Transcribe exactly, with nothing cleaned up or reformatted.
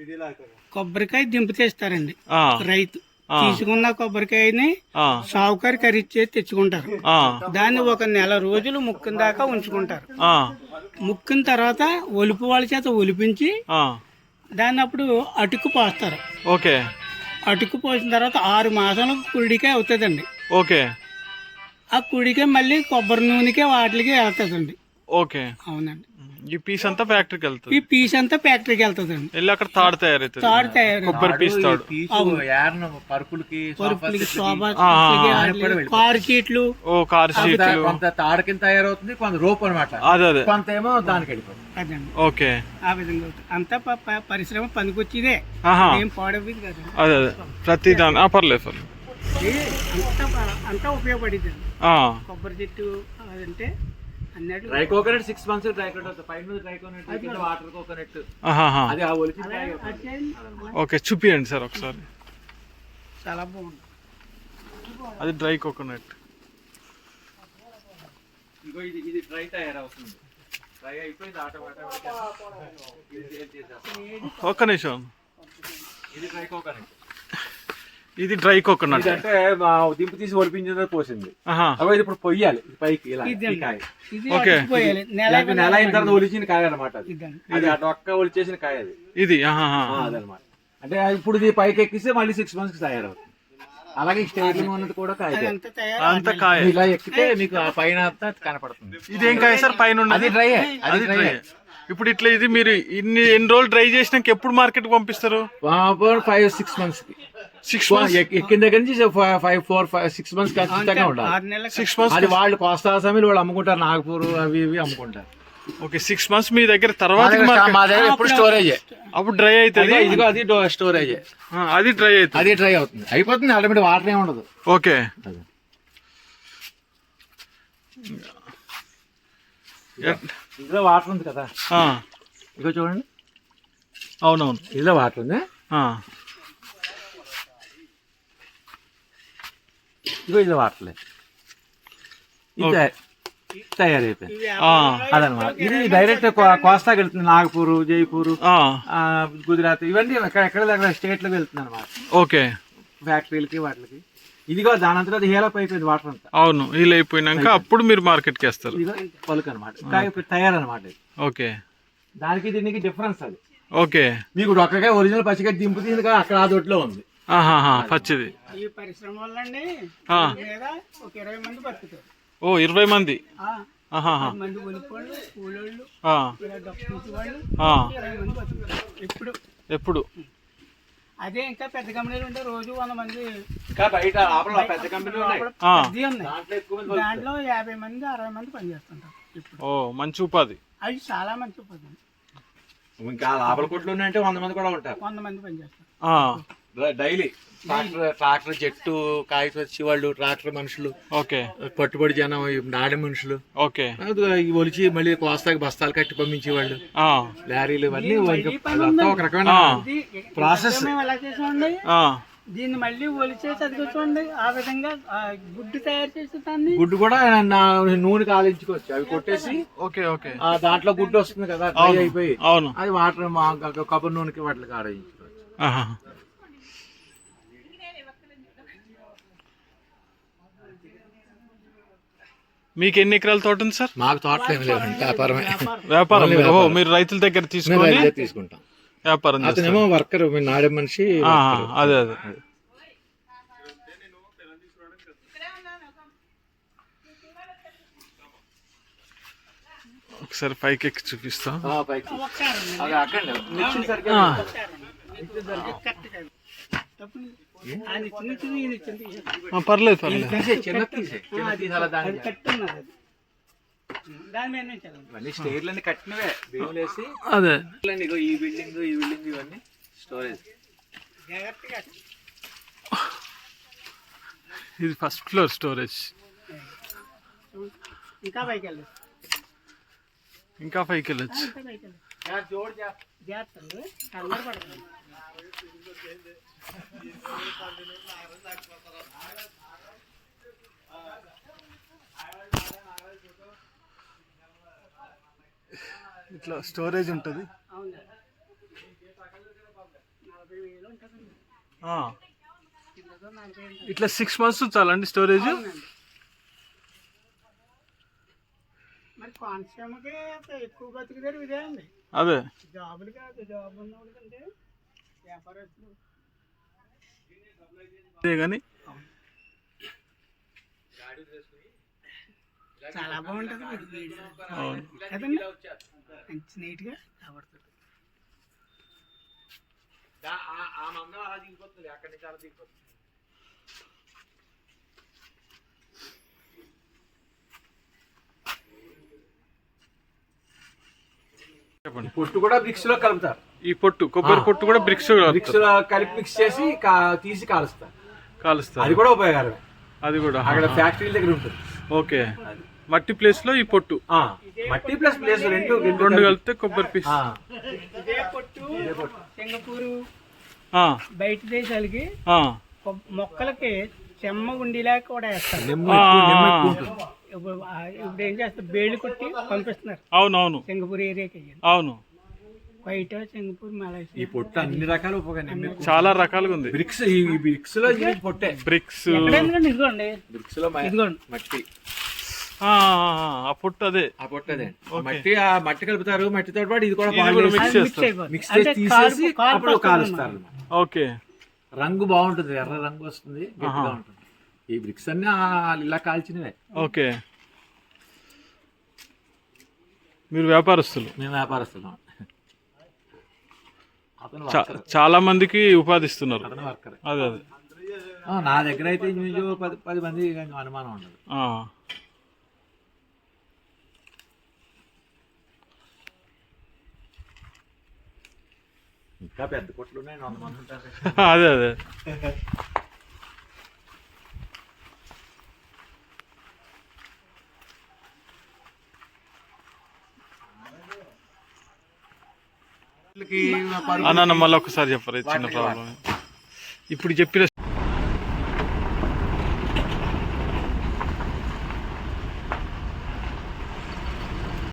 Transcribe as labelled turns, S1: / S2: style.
S1: కొబ్బరికాయ దింపు తెస్తారండి రైతు. తీసుకున్న కొబ్బరికాయని సావుకారి కరిచ్చే తెచ్చుకుంటారు. దాన్ని ఒక నెల రోజులు ముక్కున దాకా ఉంచుకుంటారు. ముక్కున తర్వాత ఒలుపు వాళ్ళ చేత ఒలిపించి దాన్ని అప్పుడు అటుకు పోస్తారు.
S2: ఓకే.
S1: అటుకు పోసిన తర్వాత ఆరు మాసాలు కుడికాయ అవుతుందండి.
S2: ఓకే.
S1: ఆ కుడికాయ మళ్ళీ కొబ్బరి నూనెకే వాటికి వెళ్తుందండి.
S2: ఓకే.
S1: అవునండి.
S2: ఈ పీస్ అంతా ఫ్యాక్టరీకి వెళ్తుంది.
S1: ఈ పీస్ అంతా ఫ్యాక్టరీకి వెళ్తుందండి.
S2: వెళ్ళి అక్కడ తాడు తయారైతుంది.
S1: తాడు తయారు
S2: కొబ్బరి పీస్ తాడు.
S3: పరుపులకి
S1: పరుపులకి కారు సీట్లు.
S2: ఓ కారు సీట్లు.
S3: కొంత తాడు కింద తయారవుతుంది, కొంత రోప్ అనమాట.
S2: అదే అదే.
S3: కొంత ఏమో దానికి వెళ్ళిపోతుంది.
S1: అదండి.
S2: ఓకే.
S1: ఆ విధంగా అంతా పరిశ్రమ పనికొచ్చిదే, ఏం పాడవుతుంది కదా.
S2: అదే అదే. ప్రతి దాని పర్లేదు పర్లేదు
S1: అంతా అంతా ఉపయోగపడింది. కొబ్బరి చెట్టు అంటే
S3: dry coconut six months dry coconut, five months dry coconut, water coconut. అది ఆ ఒలిచి.
S2: ఓకే, చూపియండి సార్ ఒకసారి.
S1: చాలా బాగుంది.
S2: అది డ్రై కోకోనట్.
S3: ఇగో ఇది ఇది డ్రై తయారవుతుంది. డ్రై అయిపోయింది ఆటోమేటిక్.
S2: ఒక్క నిమిషం.
S3: ఇది డ్రై కోకోనట్.
S2: ఇది డ్రై కోకోనట్
S3: అంటే దింపు తీసి ఒలిపించింది పోసింది. అవి ఇప్పుడు పొయ్యాలి పైకి ఇలా.
S2: ఓకే.
S3: నెల అయిన తర్వాత ఒలిచిన కాయ అనమాట. అది అటు ఒక్క ఒలిచేసిన కాయ అది.
S2: ఇది
S3: అదనమాట. అంటే ఇప్పుడు ఇది పైకి ఎక్కిస్తే మళ్ళీ సిక్స్ మంత్స్ కి తయారవుతుంది. అలాగే స్టేట్ ఉన్నది కూడా కాయ.
S2: అంత కాయ
S3: ఇలా ఎక్కితే మీకు ఆ పైన అంతా కనపడుతుంది.
S2: ఇదేం కాయ సార్ పైన?
S3: అది డ్రై. అది డ్రై.
S2: ఇప్పుడు ఇట్లా ఇది మీరు ఇన్ని ఎన్ని రోజులు డ్రై చేసినాక ఎప్పుడు మార్కెట్ పంపిస్తారు?
S3: ఫైవ్ సిక్స్ మంత్స్ కి.
S2: సిక్స్ మంత్స్
S3: ఎక్కిన దగ్గర నుంచి five four five six months ఖచ్చితంగా ఉండాలి.
S2: సిక్స్ మంత్స్
S3: అది వాళ్ళు కోస్తా సమయంలో వాళ్ళు అమ్ముకుంటారు, నాగపూర్ అవి ఇవి అమ్ముకుంటారు.
S2: ఓకే. సిక్స్ మంత్స్ మీ దగ్గర తర్వాత
S3: ఎప్పుడు స్టోరేజ్
S2: అప్పుడు డ్రై అవుతుంది.
S3: ఇదిగో అది స్టోరేజ్.
S2: అది డ్రై అవుతుంది.
S3: అది డ్రై అవుతుంది, అయిపోతుంది. ఆటోమేటిక్ వాటర్ ఏమి ఉండదు.
S2: ఓకే.
S3: ఇందులో వాటర్ ఉంది కదా, ఇగో చూడండి.
S2: అవునవును,
S3: ఇందులో వాటర్ ఉంది. ఇగో ఇందులో వాటర్ లేదు, తయారైపోయింది. అదనమాట. ఇది డైరెక్ట్ కోస్తాకి వెళ్తుంది. నాగపూర్, జైపూర్, గుజరాత్ ఇవన్నీ ఎక్కడ దగ్గర స్టేట్ లో వెళ్తుంది అనమాట.
S2: ఓకే.
S3: ఫ్యాక్టరీలకి వాటికి. ఇదిగో దానంతా అది హీలప్ అయిపోయింది వాటర్ అంతా.
S2: అవును, హీల్ అయిపోయినాక అప్పుడు మీరు మార్కెట్ కి వేస్తారు.
S3: పలుకు అనమాట, తయారనమాట.
S2: ఓకే.
S3: దానికి దీనికి డిఫరెన్స్ అది.
S2: ఓకే.
S3: మీకు ఒక్కగా ఒరిజినల్ పచ్చిగా దింపు తీసింది కానీ అక్కడ ఆ దొడ్లో ఉంది
S2: పచ్చిది.
S1: ఈ పరిశ్రమ వల్ల అండి ఒక ఇరవై మంది బతుకుతారు.
S2: ఓ ఇరవై మంది.
S1: మంది ఒలిపోళ్ళు, కూలోళ్ళు, ఎప్పుడు
S2: ఎప్పుడు
S1: అదే. ఇంకా పెద్ద కంపెనీలు ఉంటే రోజు వంద మంది
S3: బయట పెద్ద కంపెనీలు
S1: దాంట్లో యాభై మంది అరవై మంది పనిచేస్తుంటారు.
S2: ఓ మంచి ఉపాధి.
S1: అది చాలా మంచి ఉపాధి.
S3: ఇంకా లోపల కొట్లు ఉన్నాయంటే వంద మంది కూడా ఉంటారు.
S1: వంద మంది పనిచేస్తారు
S3: డైలీ. ట్రాక్టర్ ట్రాక్టర్ జట్టు కాయ వచ్చి వాళ్ళు ట్రాక్టర్ మనుషులు.
S2: ఓకే.
S3: పట్టుబడి జనం, నాడి మనుషులు.
S2: ఓకే.
S3: ఒలిచి మళ్ళీ కోస్తాకి బస్తాలు కట్టి పంపించేవాళ్ళు, లారీలు, ఇవన్నీ ఒక రకమైన ప్రాసెస్.
S1: ఎలా చేసామండి దీన్ని మళ్ళీ ఒలిచేసి అది చూడండి ఆ విధంగా గుడ్డు తయారు చేసి దాన్ని.
S3: గుడ్డు కూడా నూనె కాలించుకోవచ్చు. అవి కొట్టేసి
S2: ఓకే ఓకే
S3: దాంట్లో గుడ్డు వస్తుంది కదా అయిపోయి.
S2: అవును.
S3: అది వాటర్ కొబ్బరి నూనెకి వాటికి ఆడించుకోవచ్చు.
S2: మీకు ఎన్ని ఎకరాల తోట ఉంది సార్?
S3: మాకు తోటలు ఏమి లేవు, వ్యాపారమే.
S2: వ్యాపారం. ఓహో, మీరు రైతుల దగ్గర తీసుకొని
S3: తీసుకుంటాం,
S2: వ్యాపారం.
S3: అతనేమో వర్కర్, నాడే మనిషి.
S2: అదే అదే. ఒకసారి పైకి ఎక్కి చూపిస్తాం. పర్లేదు పర్లేదు.
S3: స్టేర్లన్నీ కట్టినవే వేసి.
S2: అదే.
S3: ఈ బిల్డింగ్ ఈ బిల్డింగ్ ఇవన్నీ స్టోరేజ్.
S2: ఇది ఫస్ట్ ఫ్లోర్ స్టోరేజ్.
S1: ఇంకా పైకి వెళ్ళచ్చు.
S2: ఇంకా పైకి వెళ్ళచ్చు. ఇట్లా స్టోరేజ్ ఉంటుంది.
S1: యాభై వేలు ఉంటుందండి.
S2: ఆ.
S1: కిందతో నలభై ఉంటుంది.
S2: ఇట్లా సిక్స్ మంత్స్ చాలండి స్టోరేజ్?
S1: అవునండి. మరి కోనసీమకి ఎక్కువ బతుకుతారు ఇదే అండి.
S2: అదే
S1: జాబులు కాదు, జాబ్ ఉన్న వాళ్ళకంటే వ్యాపారస్తులు.
S2: అదే కానీ
S1: చాలా బాగుంటుంది మీకు వీడియో
S2: అవును.
S1: కదండి, మంచి నీట్గా కాబడుతుంది.
S2: చెప్పండి.
S3: పొట్టు కూడా బ్రిక్స్ లో కలుపుతారు.
S2: ఈ పొట్టు కొబ్బరి పొట్టు కూడా బ్రిక్స్
S3: బ్రిక్స్ లో కలిపి మిక్స్ చేసి కా- తీసి కాలుస్తారు.
S2: కాలుస్తారు.
S3: అది కూడా ఉపయోగకరమే.
S2: అది కూడా
S3: అక్కడ ఫ్యాక్టరీల దగ్గర ఉంటుంది.
S2: ఓకే. మట్టి ప్లేస్ లో ఈ పొట్టు
S3: ఆ, మట్టి ప్లస్ ప్లేస్ రెండు రెండు
S2: రెండు కలిపితే కొబ్బరి పీస్.
S3: ఆ,
S1: ఇదే పొట్టు సింగపూరు
S2: ఆ,
S1: బయట దేశాలకి
S2: ఆ,
S1: కొ- మొక్కలకి చెమ్మ ఉండిలా కూడా వేస్తారు.
S3: నిమ్మ ఎక్కువ- నిమ్మ ఎక్కువ ఉంటుంది.
S1: ఇప్పుడు ఆ- ఇప్పుడు ఏం చేస్తారు, బేళ్ళు కొట్టి పంపిస్తున్నారు
S2: అవునవును
S1: సింగపూర్ ఏరియాకి అయ్యారు.
S2: అవును.
S1: బయట సింగపూర్
S3: ఈ
S1: మలేషియా
S3: పొట్టు అన్ని రకాల ఉపయోగం. నిమ్మ ఎక్కువ.
S2: చాలా రకాలుగా ఉంది.
S3: బ్రిక్స్ ఈ బ్రిక్స్ లో ఇది పొట్టే.
S2: బ్రిక్స్.
S1: ఎక్కడ ఎందుకండి, ఇదిగోండి
S3: బ్రిక్స్ లో మ-
S1: ఇదిగోండి.
S3: మట్టి
S2: ఆ, ఆ పొట్టు అదే.
S3: ఆ పొట్టదే. ఆ మట్టి ఆ మట్టి కలుపుతారు. మట్టితో పాటు ఇది కూడా
S2: ఇది
S3: బాగా
S2: కూడా
S3: వేసి-
S2: మిక్స్
S1: అది
S2: చేస్తారు.
S1: మిక్స్ అయిపోతుంది.
S3: మిక్స్
S1: అంటే
S3: చేసి
S1: కాల్పు-
S3: తీసేసి
S1: కాల్పు
S3: అప్పుడు
S1: వస్తుంది
S3: కాలుస్తారు
S1: అన్నమాట.
S3: అన్నమాట.
S2: ఓకే.
S3: రంగు బాగుంటుంది, ఎర్ర రంగు వస్తుంది, గట్టిగా
S2: ఆహా.
S3: ఉంటుంది. ఈ బ్రిక్స్ అన్ని ఆ ఇలా కాల్చినవే.
S2: ఓకే. మీరు వ్యాపారస్తులు.
S3: మేము వ్యాపారస్తున్నాం. అతను
S2: చా-
S3: వర్కర్.
S2: చాలా మందికి ఉపాధి ఇస్తున్నారు.
S3: అతను వర్కర్.
S2: అదే అదే.
S3: ఆ, నా దగ్గర అయితే ఇంచుమించు పది పది మంది అనుమానం ఉండదు.
S2: ఆ.
S3: ఇంకా పెద్ద కొట్లు ఉన్నాయి, వంద మంది ఉంటారు.
S2: అదే అదే. అన్న మళ్ళీ ఒకసారి చెప్పరు చిన్న ప్రాబ్లం. ఇప్పుడు చెప్పిన